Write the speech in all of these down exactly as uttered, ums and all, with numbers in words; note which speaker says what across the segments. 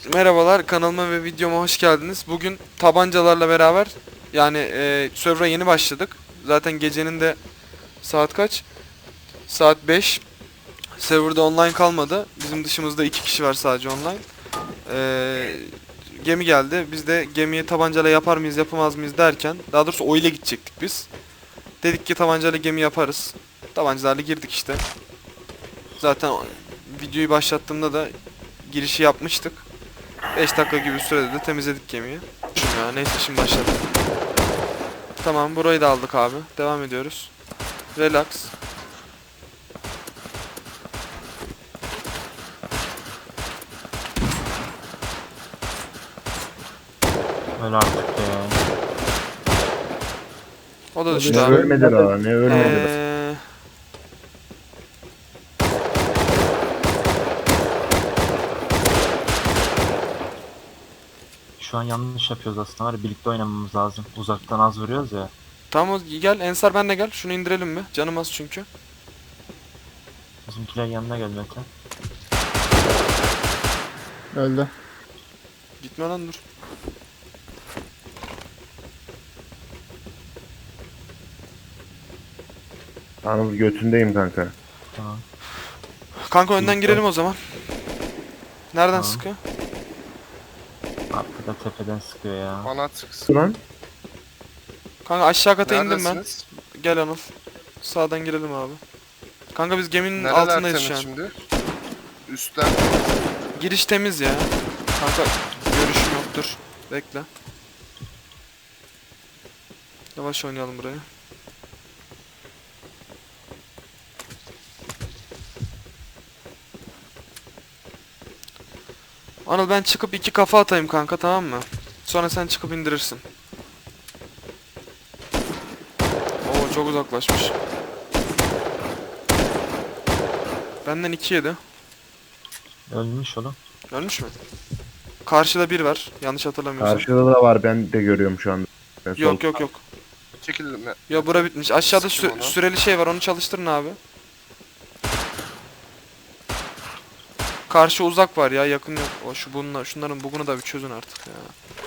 Speaker 1: Merhabalar, kanalıma ve videoma hoş geldiniz. Bugün tabancalarla beraber yani e, server'a yeni başladık. Zaten gecenin de saat kaç? Saat beş. Server'da online kalmadı. Bizim dışımızda iki kişi var sadece online. E, Gemi geldi. Biz de gemiyi tabancayla yapar mıyız yapamaz mıyız derken, daha doğrusu o ile gidecektik biz. Dedik ki tabancayla gemi yaparız. Tabancalarla girdik işte. Zaten videoyu başlattığımda da girişi yapmıştık. beş dakika gibi sürede de temizledik gemiyi. Ya neyse, şimdi başladık. Tamam, burayı da aldık abi. Devam ediyoruz. Relax.
Speaker 2: Öyle artık ya.
Speaker 1: O da
Speaker 3: O
Speaker 1: düştü
Speaker 3: da
Speaker 4: Ne
Speaker 1: abi.
Speaker 4: ölmedi daha, ne ölmedi daha.
Speaker 1: Ee,
Speaker 2: Şu an yanlış yapıyoruz aslında var ya, birlikte oynamamız lazım. Uzaktan az vuruyoruz ya.
Speaker 1: tamam, o- gel Ensar, benle gel. Şunu indirelim mi? Canım az çünkü.
Speaker 2: Bizimkiler yanına gel Mete.
Speaker 3: Öldü.
Speaker 1: Gitme lan, dur.
Speaker 4: Anıl götündeyim kanka.
Speaker 2: Tamam.
Speaker 1: Kanka önden girelim o zaman. Nereden
Speaker 2: Tamam.
Speaker 1: sıkıyor?
Speaker 2: Arkada tepeden sıkıyor ya.
Speaker 5: Bana tıksın.
Speaker 4: Lan
Speaker 1: Kanka aşağı kata indim ben.
Speaker 5: Neredesiniz?
Speaker 1: Gel Anıl. Sağdan girelim abi. Kanka biz geminin
Speaker 5: Nereler
Speaker 1: altındayız
Speaker 5: temiz
Speaker 1: şu an.
Speaker 5: şimdi? Üstler.
Speaker 1: Giriş temiz ya. Kanka görüşüm yoktur. Bekle. Yavaş oynayalım burayı. Anıl, ben çıkıp iki kafa atayım kanka, tamam mı? Sonra sen çıkıp indirirsin. Oo, çok uzaklaşmış. Benden iki yedi.
Speaker 2: Ölmüş oğlum.
Speaker 1: Ölmüş mü? Karşıda bir var. Yanlış hatırlamıyorsam.
Speaker 4: karşıda da var, ben de görüyorum şu anda. Ben sol-
Speaker 1: Yok yok yok.
Speaker 5: Çekildim ya.
Speaker 1: Ya bura bitmiş. Aşağıda
Speaker 5: Sıkın
Speaker 1: sü-
Speaker 5: onu.
Speaker 1: süreli şey var, onu çalıştırın abi. Karşı uzak var ya, yakın yok. O şu bunlar, şunların bugunu da bir çözün artık ya.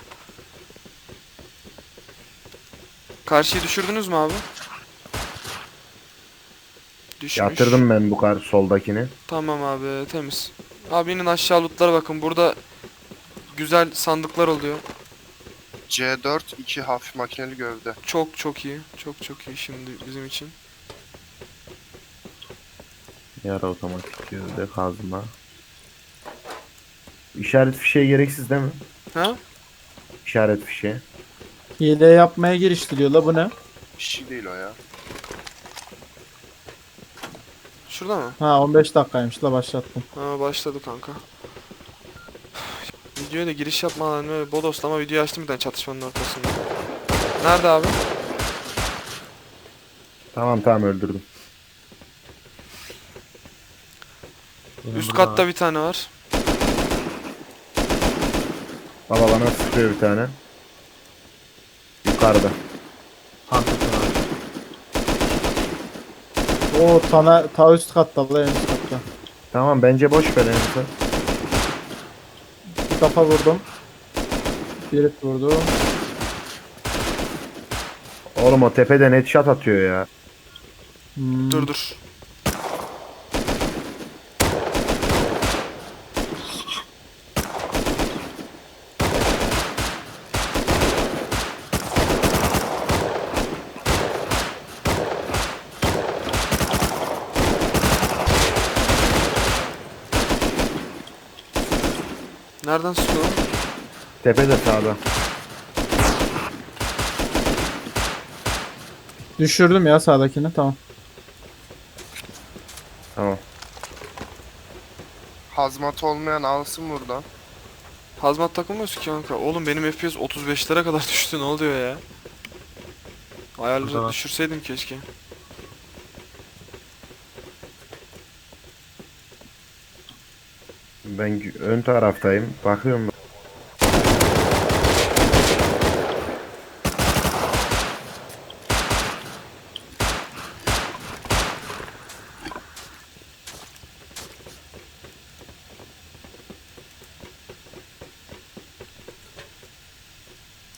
Speaker 1: Karşıyı düşürdünüz mü abi? Düşmüş.
Speaker 4: Yatırdım ben bu kar soldakini.
Speaker 1: Tamam abi, temiz. Abi inin aşağı, lootlara bakın. Burada güzel sandıklar oluyor.
Speaker 5: C dört iki hafif makineli gövde.
Speaker 1: Çok çok iyi. Çok çok iyi şimdi bizim için.
Speaker 4: Yara otomatik gözde kazma. İşaret fişeği gereksiz değil mi?
Speaker 1: Ha?
Speaker 4: İşaret fişeği.
Speaker 3: Hile yapmaya giriştiriyor la, bu ne?
Speaker 5: Bir şey değil o ya.
Speaker 1: Şurada mı?
Speaker 3: Ha, on beş dakikaymış la, başlattım.
Speaker 1: Ha, başladı kanka. Videoya da giriş yapmadan böyle bodoslama video açtım bir tane çatışmanın ortasında. Nerede abi?
Speaker 4: Tamam tamam öldürdüm.
Speaker 2: Benim
Speaker 1: Üst
Speaker 2: burada
Speaker 1: katta
Speaker 2: var.
Speaker 1: bir tane var.
Speaker 4: Baba bana sıkıyor bir tane. Yukarıda.
Speaker 2: Tam tepe var.
Speaker 3: Oo, tana ta üst katta la, en üst katta.
Speaker 4: Tamam bence boş ver Enes'e.
Speaker 3: Bir kafa vurdum. Bir vurdum.
Speaker 4: Oğlum o tepeden headshot atıyor ya.
Speaker 3: Hmm.
Speaker 1: Dur dur. Nereden sıkıyor?
Speaker 4: Tepede sağda.
Speaker 3: Düşürdüm ya sağdakini, tamam.
Speaker 4: Tamam.
Speaker 5: Hazmat olmayan alsın buradan.
Speaker 1: Hazmat takılmıyorsun ki kanka. Oğlum benim F P S otuz beşlere kadar düştü, ne oluyor ya?
Speaker 2: Burada
Speaker 1: Ayarları
Speaker 2: var.
Speaker 1: düşürseydim keşke.
Speaker 4: Ben gü- ön taraftayım. Bakıyorum.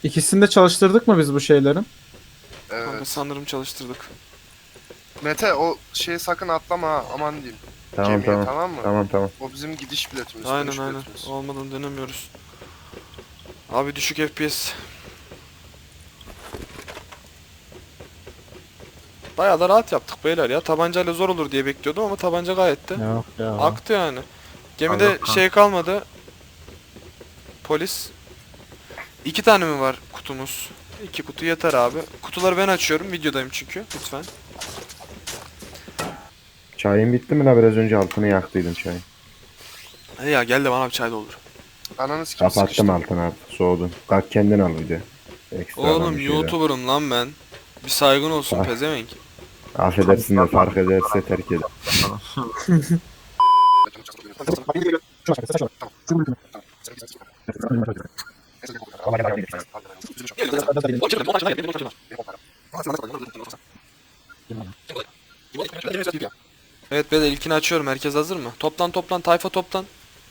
Speaker 3: İkisini de çalıştırdık mı biz bu şeylerin?
Speaker 5: Evet.
Speaker 1: Kanka sanırım çalıştırdık.
Speaker 5: Mete o şeyi sakın atlama ha. Aman diyeyim.
Speaker 4: Tamam
Speaker 5: Gemiye,
Speaker 4: tamam.
Speaker 5: tamam mı?
Speaker 4: Tamam tamam.
Speaker 5: O bizim gidiş biletimiz.
Speaker 1: Aynen
Speaker 5: dönüş
Speaker 1: aynen.
Speaker 5: biletimiz.
Speaker 1: Olmadan dönemiyoruz. Abi düşük F P S. Bayağı da rahat yaptık beyler ya. Tabancayla zor olur diye bekliyordum ama tabanca gayet de
Speaker 3: Yok ya.
Speaker 1: aktı yani. Gemide
Speaker 2: Allah
Speaker 1: şey kalmadı. Polis. İki tane mi var kutumuz? İki kutu yeter abi. Kutuları ben açıyorum. Videodayım çünkü. Lütfen.
Speaker 4: Çayın bitti mi la, biraz önce altını yaktıydım çayın.
Speaker 1: Hadi ya gel de bana bir çay doldur.
Speaker 5: Ananı sikim
Speaker 4: Kapattım
Speaker 5: sıkıştım.
Speaker 4: altını artık, soğudun. Kalk kendin al bir de. Ekstradan
Speaker 1: Oğlum
Speaker 4: bir şeyler.
Speaker 1: YouTuber'ım lan ben. Bir saygın olsun
Speaker 4: Ah.
Speaker 1: pezevenk.
Speaker 4: Affedersin de fark ederse terk eder.
Speaker 1: Evet ben ilkini açıyorum. Herkes hazır mı? Toplan toplan tayfa toplan.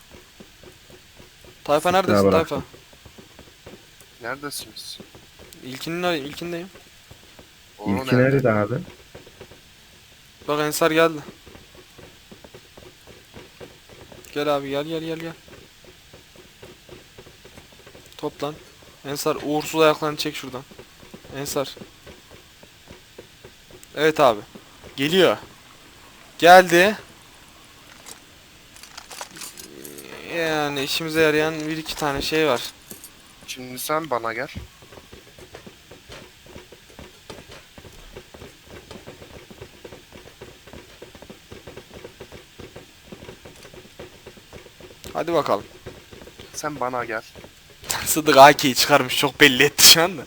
Speaker 1: Tayfa
Speaker 4: Sıkla
Speaker 1: neredesin
Speaker 4: bıraktım.
Speaker 1: tayfa?
Speaker 5: Neredesiniz?
Speaker 1: İlkinin ilkindeyim.
Speaker 5: Oğlum
Speaker 4: İlki nerede abi?
Speaker 1: Bak Ensar geldi. Gel abi gel gel gel gel. Toplan. Ensar uğursuz ayaklarını çek şuradan. Ensar. Evet abi. Geliyor. Geldi. Yani işimize yarayan bir iki tane şey var.
Speaker 5: Şimdi sen bana gel.
Speaker 1: Hadi bakalım.
Speaker 5: Sen bana gel.
Speaker 1: Sıdık A K'yi çıkarmış çok belli etti şu anda.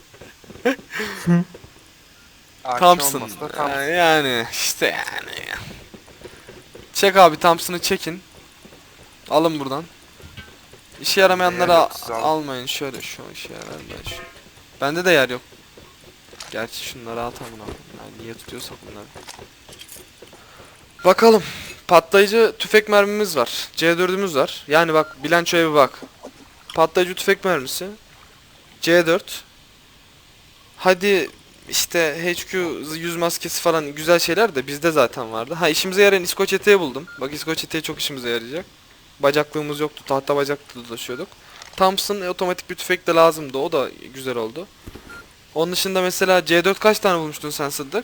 Speaker 5: A K
Speaker 1: Thompson.
Speaker 5: olmasa da Thompson.
Speaker 1: Yani, yani işte yani. Çek abi Thompson'ı çekin. Alın buradan. İşe yaramayanları
Speaker 5: Yer
Speaker 1: al-
Speaker 5: yok, siz alın.
Speaker 1: almayın. Şöyle şu işe yarar ben şu. Bende de yer yok. Gerçi şunları at amına koyayım. Yani niye tutuyorsak bunları. Bakalım. Patlayıcı tüfek mermimiz var. C dördümüz var. Yani bak bilançoya bir bak. Patlayıcı tüfek mermisi. C dört. Hadi işte H Q yüz maskesi falan güzel şeyler de bizde zaten vardı. Ha işimize yarayan İskoç eteği buldum. Bak İskoç eteği çok işimize yarayacak. Bacaklığımız yoktu. Tahta bacaklı dolaşıyorduk. Thompson e, otomatik bir tüfek de lazımdı. O da güzel oldu. Onun dışında mesela C dört kaç tane bulmuştun sen Sıddık?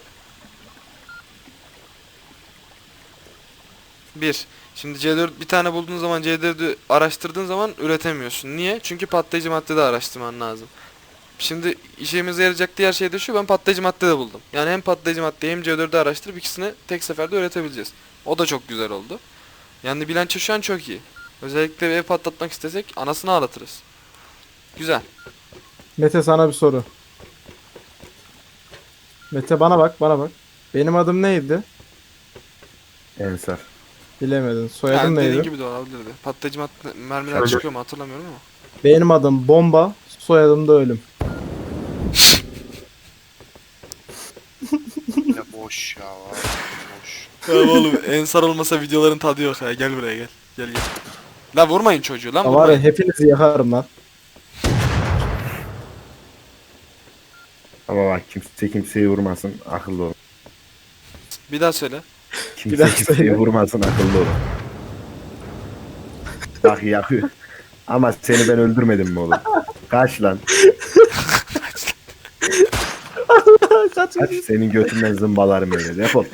Speaker 1: Bir. Şimdi C dört bir tane bulduğun zaman C dördü araştırdığın zaman üretemiyorsun. Niye? Çünkü patlayıcı madde de araştırman lazım. Şimdi işimize yarayacak diğer şey de şu, ben patlayıcı madde de buldum. Yani hem patlayıcı maddeyi hem C dördü araştırıp ikisini tek seferde üretebileceğiz. O da çok güzel oldu. Yani bilanço şu an çok iyi. Özellikle bir ev patlatmak istesek anasını ağlatırız. Güzel.
Speaker 3: Mete sana bir soru. Mete bana bak bana bak. Benim adım neydi?
Speaker 4: Ensar.
Speaker 3: Bilemedin. Soyadım
Speaker 1: Yani dediğin
Speaker 3: neydi?
Speaker 1: gibi de olabilirdi. Patlayıcı madde mermiler
Speaker 2: Şöyle-
Speaker 1: çıkıyor mu hatırlamıyorum ama.
Speaker 3: Benim adım Bomba. Soyadım da Ölüm.
Speaker 5: Yine boş ya. Var. Boş.
Speaker 1: Ya oğlum Ensar olmasa videoların tadı yok ya. Gel buraya gel. Gel gel. Lan vurmayın çocuğu lan
Speaker 3: Ya var ya
Speaker 1: vurmayın.
Speaker 3: hepinizi yakarım lan.
Speaker 4: Ama bak kimse kimseyi vurmasın, akıllı olun.
Speaker 1: Bir daha söyle.
Speaker 4: Kimse
Speaker 3: daha
Speaker 4: kimseyi
Speaker 3: söyle.
Speaker 4: vurmasın, akıllı olun. Bak yapıyor. Ama seni ben öldürmedim mi oğlum? Kaç lan.
Speaker 3: Kaç.
Speaker 4: Kaç, senin götünden zımbalarım öyle. Defol.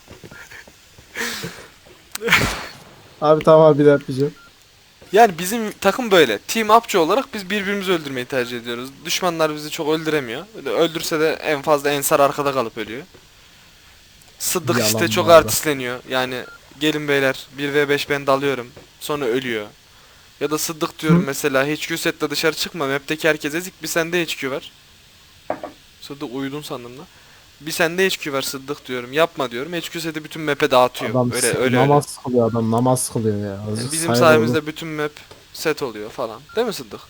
Speaker 3: Abi tamam abi bir daha yapacağım.
Speaker 1: Yani bizim takım böyle. Team upçı olarak biz birbirimizi öldürmeyi tercih ediyoruz. Düşmanlar bizi çok öldüremiyor. Öyle öldürse de en fazla Ensar arkada kalıp ölüyor. Sıddık
Speaker 3: Yalan
Speaker 1: işte çok
Speaker 3: bu arada.
Speaker 1: artistleniyor. Yani gelin beyler bir ve beş ben dalıyorum. Sonra ölüyor. Ya da Sıddık diyorum
Speaker 3: Hı.
Speaker 1: mesela H Q setle dışarı çıkma. Map'teki herkes ezik bir sende H Q var. Sıddık uyudun sandım da. Bir sende H Q var Sıddık diyorum. Yapma diyorum. H Q seti bütün map'e dağıtıyor.
Speaker 3: Adam
Speaker 1: öyle
Speaker 3: s-
Speaker 1: öyle
Speaker 3: namaz kılıyor adam namaz kılıyor ya.
Speaker 1: öyle.
Speaker 3: Azıcık
Speaker 1: Bizim
Speaker 3: saygı
Speaker 1: sayemizde
Speaker 3: olun.
Speaker 1: bütün map set oluyor falan. Değil mi Sıddık?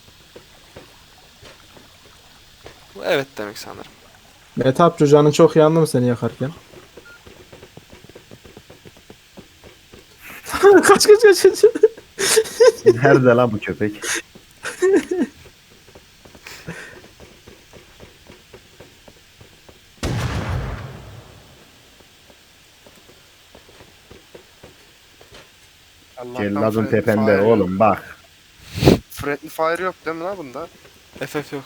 Speaker 1: Bu evet demek sanırım.
Speaker 3: Mete abi canın çok yandı mı seni yakarken? kaç kaç kaç kaç.
Speaker 4: Nerede lan bu köpek?
Speaker 5: Allah'tan
Speaker 4: Celladın
Speaker 5: friendly
Speaker 4: tepende
Speaker 5: fire yok.
Speaker 4: oğlum bak.
Speaker 5: Friendly fire yok değil mi lan bunda?
Speaker 1: F F yok.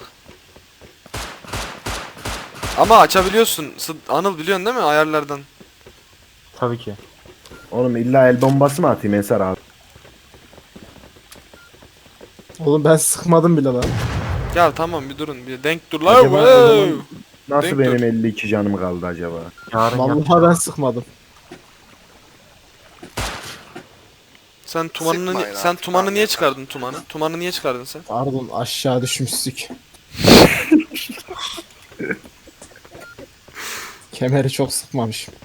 Speaker 1: Ama açabiliyorsun. Sı- Anıl biliyorsun değil mi ayarlardan?
Speaker 2: Tabii ki.
Speaker 4: Oğlum illa el bombası mı atayım Ensar abi?
Speaker 3: Oğlum ben sıkmadım bile lan.
Speaker 1: Ya tamam bir durun bir denk dur lan.
Speaker 4: Acaba o
Speaker 1: Wow.
Speaker 4: zaman nasıl
Speaker 1: Denk
Speaker 4: benim
Speaker 1: dur.
Speaker 4: elli iki canım kaldı acaba?
Speaker 2: Yarın
Speaker 3: Vallahi
Speaker 2: yapacağım.
Speaker 3: ben sıkmadım.
Speaker 1: Sen tumanını
Speaker 5: Sıkmayın
Speaker 1: sen
Speaker 5: artık
Speaker 1: tumanı
Speaker 5: abi
Speaker 1: niye
Speaker 5: ya.
Speaker 1: çıkardın tumanı? Tumanı niye çıkardın sen?
Speaker 3: Pardon aşağı düşmüştük. Kemeri çok sıkmamışım.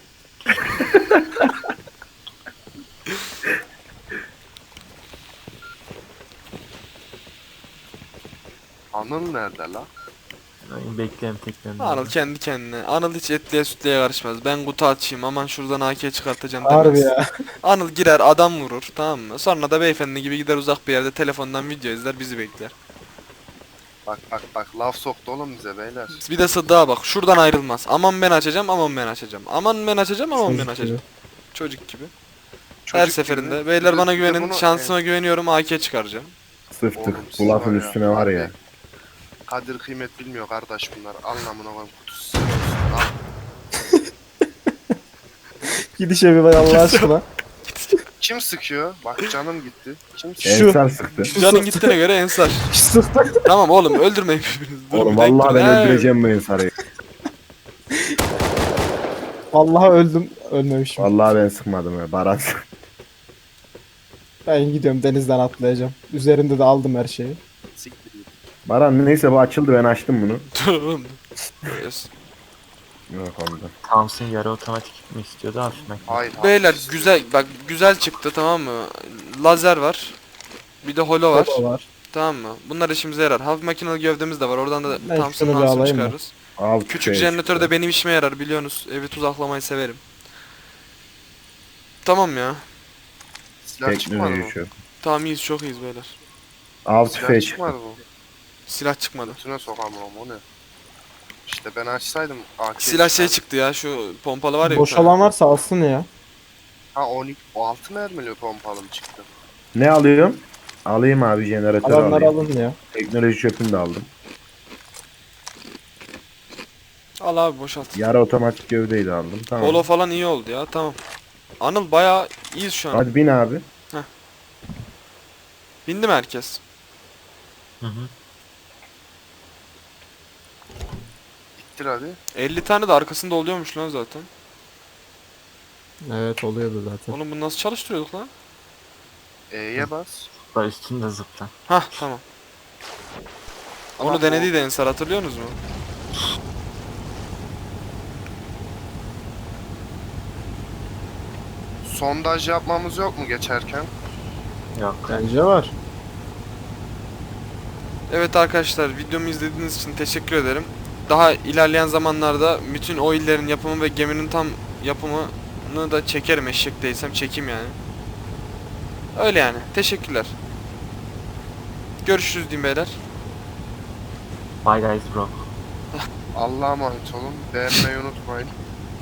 Speaker 5: Anıl nerede la?
Speaker 2: Ay, Bekleyelim teklerini.
Speaker 1: Anıl kendi kendine. Anıl hiç etliye sütlüye karışmaz. Ben kutu açayım aman şuradan A K çıkartacağım demez.
Speaker 3: Harbi ya.
Speaker 1: Anıl girer adam vurur tamam mı? Sonra da beyefendi gibi gider uzak bir yerde telefondan video izler bizi bekler.
Speaker 5: Bak bak bak laf soktu oğlum bize beyler.
Speaker 1: Bir de Sıddık'a bak şuradan ayrılmaz. Aman ben açacağım aman ben açacağım. Aman ben açacağım aman ben
Speaker 3: Çocuk
Speaker 1: açacağım.
Speaker 3: gibi.
Speaker 1: Çocuk gibi.
Speaker 5: Çocuk
Speaker 1: Her
Speaker 5: gibi.
Speaker 1: seferinde.
Speaker 5: Bir
Speaker 1: Beyler
Speaker 5: de-
Speaker 1: bana
Speaker 5: bir de
Speaker 1: güvenin.
Speaker 5: bunu-
Speaker 1: Şansıma güveniyorum A K çıkaracağım.
Speaker 4: Sıftık.
Speaker 5: Oğlum siz
Speaker 4: Bu lafın
Speaker 5: var ya,
Speaker 4: üstüne var ya.
Speaker 5: abi, Kadir kıymet bilmiyor kardeş bunlar. Anlamına koyayım kutusu sen olsun. Al.
Speaker 3: Gidişe bir bak Allah aşkına.
Speaker 5: Kim sıkıyor? Bak canım gitti. Kim sıkıyor?
Speaker 3: Şu-
Speaker 4: Ensar sıktı.
Speaker 1: Canın gittiğine göre Ensar.
Speaker 3: Sıktı.
Speaker 1: Tamam oğlum öldürmeyin birbirinizi. Dur,
Speaker 4: Oğlum
Speaker 1: bir denk
Speaker 4: vallahi
Speaker 1: dur.
Speaker 4: ben
Speaker 1: He.
Speaker 4: öldüreceğim bu Ensar'ı.
Speaker 3: Vallahi öldüm. Ölmemişim.
Speaker 4: Vallahi ben sıkmadım ya. Baran.
Speaker 3: Ben gidiyorum denizden atlayacağım. Üzerinde de aldım her şeyi.
Speaker 5: Siktir git.
Speaker 4: Baran neyse bu açıldı ben açtım bunu.
Speaker 1: Dur oğlum. Yes.
Speaker 4: Yok oldu.
Speaker 2: Thompson yarı otomatik mi istiyordu hafif makine.
Speaker 5: Hayır.
Speaker 1: Beyler
Speaker 5: hafif
Speaker 1: güzel bak güzel çıktı tamam mı? Lazer var. Bir de holo var.
Speaker 3: O var.
Speaker 1: Tamam mı? Bunlar işimize yarar. Hafif makinalı gövdemiz de var. Oradan da
Speaker 3: Ben
Speaker 1: Thompson
Speaker 3: şunu bir
Speaker 1: Thompson
Speaker 3: alayım mı?
Speaker 1: çıkarırız.
Speaker 4: Al
Speaker 1: Küçük
Speaker 4: tüfeği
Speaker 1: jeneratör de
Speaker 4: çıktı.
Speaker 1: benim işime yarar biliyorsunuz. Evi tuzaklamayı severim. Tamam ya.
Speaker 5: Silah çıkmadı mı?
Speaker 4: Teknoloji şu.
Speaker 1: Tamam iyiyiz çok iyiyiz beyler.
Speaker 4: Av
Speaker 5: Silah
Speaker 4: tüfeği
Speaker 5: çıkmadı
Speaker 4: çıktı.
Speaker 5: bu.
Speaker 1: Silah çıkmadı.
Speaker 5: Götüne sokamam o ne? İşte ben açsaydım A K
Speaker 1: Silah şey
Speaker 5: çıkardı.
Speaker 1: çıktı ya şu pompalı var ya. bir
Speaker 3: Boş
Speaker 1: tane.
Speaker 3: olan varsa alsın ya.
Speaker 5: Ha on iki, o altı mermili pompalı mı çıktı?
Speaker 4: Ne alıyorum? Alayım abi jeneratör
Speaker 3: Alanları
Speaker 4: alayım.
Speaker 3: alın ya.
Speaker 4: Teknoloji çöpünü de aldım.
Speaker 1: Al abi boşalt.
Speaker 4: Yarı otomatik gövdeyi de aldım. Tamam.
Speaker 1: Holo falan iyi oldu ya tamam. Anıl bayağı iyiyiz şu an.
Speaker 4: Hadi bin abi.
Speaker 1: Bindi mi herkes?
Speaker 2: Hı hı.
Speaker 5: İttir hadi.
Speaker 1: elli tane de arkasında oluyormuş lan zaten.
Speaker 3: Evet oluyordu zaten.
Speaker 1: Oğlum bunu nasıl çalıştırıyorduk lan?
Speaker 5: E'ye bas.
Speaker 2: Bak üstünde zıpla.
Speaker 1: Hah tamam.
Speaker 5: Ama
Speaker 1: Onu
Speaker 5: bu-
Speaker 1: denediydi Ensar hatırlıyorsunuz mu?
Speaker 5: Sondaj yapmamız yok mu geçerken?
Speaker 2: Yok.
Speaker 3: Bence var.
Speaker 1: Evet arkadaşlar videomu izlediğiniz için teşekkür ederim. Daha ilerleyen zamanlarda bütün o illerin yapımı ve geminin tam yapımını da çekerim eşek değilsem çekeyim yani. Öyle yani. Teşekkürler. Görüşürüz diyeyim beyler.
Speaker 2: Bye guys bro.
Speaker 5: Allah'a emanet olun. Beğenmeyi unutmayın.